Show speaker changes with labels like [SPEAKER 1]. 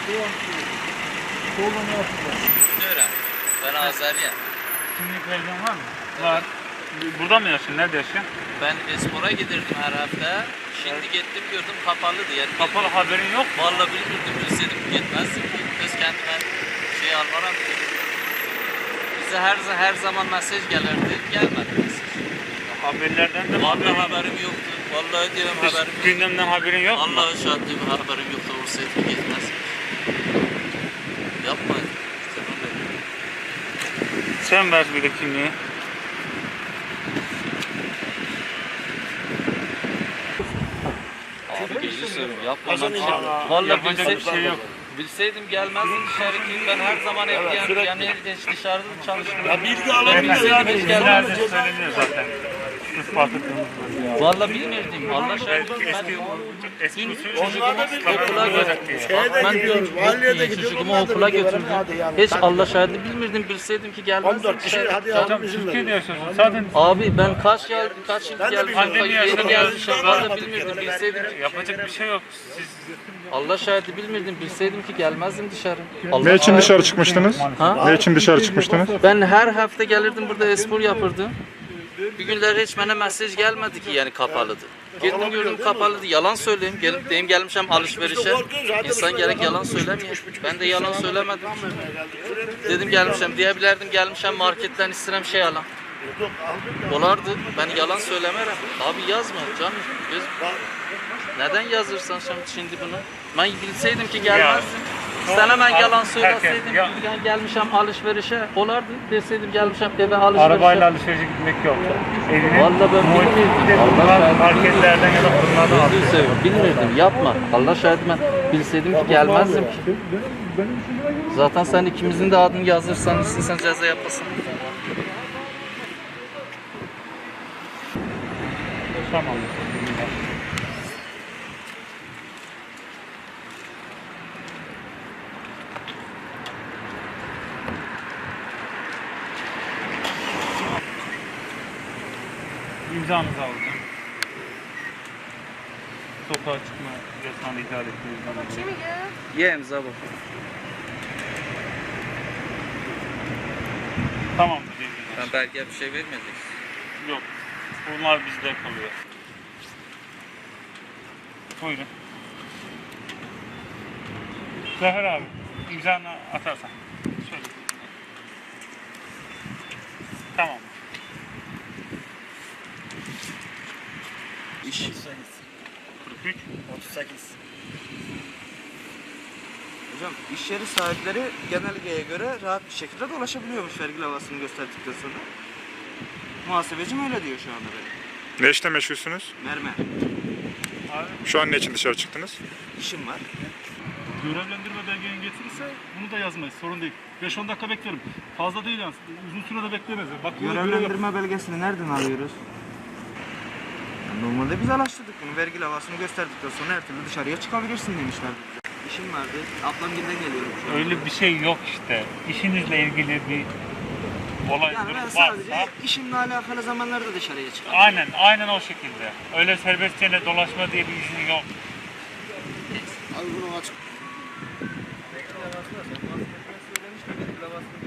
[SPEAKER 1] Oğlum yapacağız.
[SPEAKER 2] Öğren. Ben Azeriyim.
[SPEAKER 1] Kimlik belgen var mı? Var. Burada mı yaşıyorsun? Nerede yaşıyorsun?
[SPEAKER 2] Ben Espor'a giderdim her hafta. Şimdi gittim gördüm kapalıydı yani.
[SPEAKER 1] Kapalı haberin yok mu?
[SPEAKER 2] Vallahi bilmirdim, bilseydim gitmezdim ki. Öz kendime şey almaram ki. Bize her zaman mesaj gelirdi. Gelmedi mesaj.
[SPEAKER 1] Haberlerden de
[SPEAKER 2] Vallahi haberim yoktu. Vallahi diyorum
[SPEAKER 1] Hiç
[SPEAKER 2] haberim yoktu.
[SPEAKER 1] gündemden haberin yok mu?
[SPEAKER 2] Allah'a şahit diyorum haberim yoktu. Olsaydı gitmezdim. Yapma.
[SPEAKER 1] Sen ver bir de kimliği.
[SPEAKER 2] Abi gözü seveyim yapma lan.
[SPEAKER 1] Allah,
[SPEAKER 2] Vallahi
[SPEAKER 1] yapacak bir şey yok.
[SPEAKER 2] Bilseydim gelmezdim dışarı ki ben her zaman hep yani dışarıda çalıştım.
[SPEAKER 3] Ya bilgi alamıyoruz
[SPEAKER 2] Bilseydim
[SPEAKER 3] yani.
[SPEAKER 2] hiç gelmezdim.
[SPEAKER 1] Nerede söyleniyor zaten. Ispatı kırmızı.
[SPEAKER 2] Vallahi bilmirdim. Allah şahit
[SPEAKER 1] Eski usul
[SPEAKER 2] okula götürdüm. Ben diyorum
[SPEAKER 3] Valiye de gidiyor,
[SPEAKER 2] çocuğumu
[SPEAKER 3] onlar da
[SPEAKER 2] okula
[SPEAKER 3] gidiyor.
[SPEAKER 2] götürdüm.
[SPEAKER 3] Hadi yani,
[SPEAKER 2] Hiç
[SPEAKER 3] hadi.
[SPEAKER 2] Allah şahidi bilmirdim. Bilseydim ki gelmezdim.
[SPEAKER 3] 14 kişi hadi
[SPEAKER 1] Hocam
[SPEAKER 3] yavrum izin
[SPEAKER 1] Türkiye'de
[SPEAKER 3] verin.
[SPEAKER 1] yaşıyorsun. Zaten
[SPEAKER 2] Abi ben kaç yıl
[SPEAKER 3] Ben de
[SPEAKER 2] geldim.
[SPEAKER 1] pandemi
[SPEAKER 2] Yeni
[SPEAKER 1] yaşadım.
[SPEAKER 2] gelmişim. Vallahi bilmirdim. Bilseydim ki
[SPEAKER 1] yapacak bir şey yok. Siz
[SPEAKER 2] Allah şahidi bilmirdim. Bilseydim ki gelmezdim dışarı.
[SPEAKER 4] Ne için dışarı çıkmıştınız?
[SPEAKER 2] Ha?
[SPEAKER 4] Ne için dışarı çıkmıştınız?
[SPEAKER 2] Ben her hafta gelirdim burada espor yapırdım. Bir günler hiç bana mesaj gelmedi ki yani kapalıdı. Girdim gördüm kapalıydı. Yalan söyleyeyim. Gelip deyim gelmişim alışverişe. İnsan gerek yalan söylemiyor. Ben de yalan söylemedim. Dedim gelmişim diyebilirdim gelmişim marketten istirem şey alam. Olardı. Ben yalan söylemerim. Abi yazma canım. Neden yazırsan şimdi bunu? Ben bilseydim ki gelmezdim. Sen hemen yalan söyleseydim gelmişim alışverişe olardı deseydim gelmişim eve alışverişe.
[SPEAKER 1] arabayla alışverişe gitmek yok. Evine
[SPEAKER 2] Vallahi ben bilmirdim.
[SPEAKER 1] marketlerden ya da fırınlardan al.
[SPEAKER 2] Gözünü seveyim bilmirdim yapma. Allah şahit ben bilseydim ki gelmezdim ki. Zaten sen ikimizin de adını yazırsan istesen ceza yapasın.
[SPEAKER 1] Tamam. İmzanızı alacağım. Sokağa çıkma yasağını ihlal ettiğiniz zaman.
[SPEAKER 2] Ye imza bak.
[SPEAKER 1] Tamam.
[SPEAKER 2] Ben belge bir şey vermedim.
[SPEAKER 1] Yok. Bunlar bizde kalıyor. Buyurun. Zafer abi, imzanı atarsan. Şöyle. Tamam.
[SPEAKER 3] İş.
[SPEAKER 1] 43.
[SPEAKER 3] 38.
[SPEAKER 5] Hocam iş yeri sahipleri genelgeye göre rahat bir şekilde dolaşabiliyormuş vergi levhasını gösterdikten sonra. Muhasebecim öyle diyor şu anda benim.
[SPEAKER 4] Ne işle meşgulsünüz?
[SPEAKER 5] Mermer.
[SPEAKER 1] Abi,
[SPEAKER 4] Şu an ne için dışarı çıktınız?
[SPEAKER 5] İşim var.
[SPEAKER 6] Görevlendirme belgeni getirirse bunu da yazmayız, sorun değil. 5-10 dakika beklerim. Fazla değil yani, uzun sürede beklemez. Bak,
[SPEAKER 5] Görevlendirme belgesini nereden alıyoruz? Normalde biz araştırdık bunu. Vergi levhasını gösterdikten sonra her türlü dışarıya çıkabilirsin demişler. İşim vardı. Ablamgil'den geliyorum şu an.
[SPEAKER 1] öyle bir şey yok işte. İşinizle ilgili bir olay
[SPEAKER 5] Yani ben
[SPEAKER 1] durum
[SPEAKER 5] sadece
[SPEAKER 1] varsa.
[SPEAKER 5] işimle alakalı zamanlarda dışarıya çıkıyorum.
[SPEAKER 1] Aynen o şekilde. Öyle serbestçe dolaşma diye bir izin yok.
[SPEAKER 3] Al bunu aç.
[SPEAKER 5] Vergi levhası var. Muhasebecime söylemiş mi vergi levhasını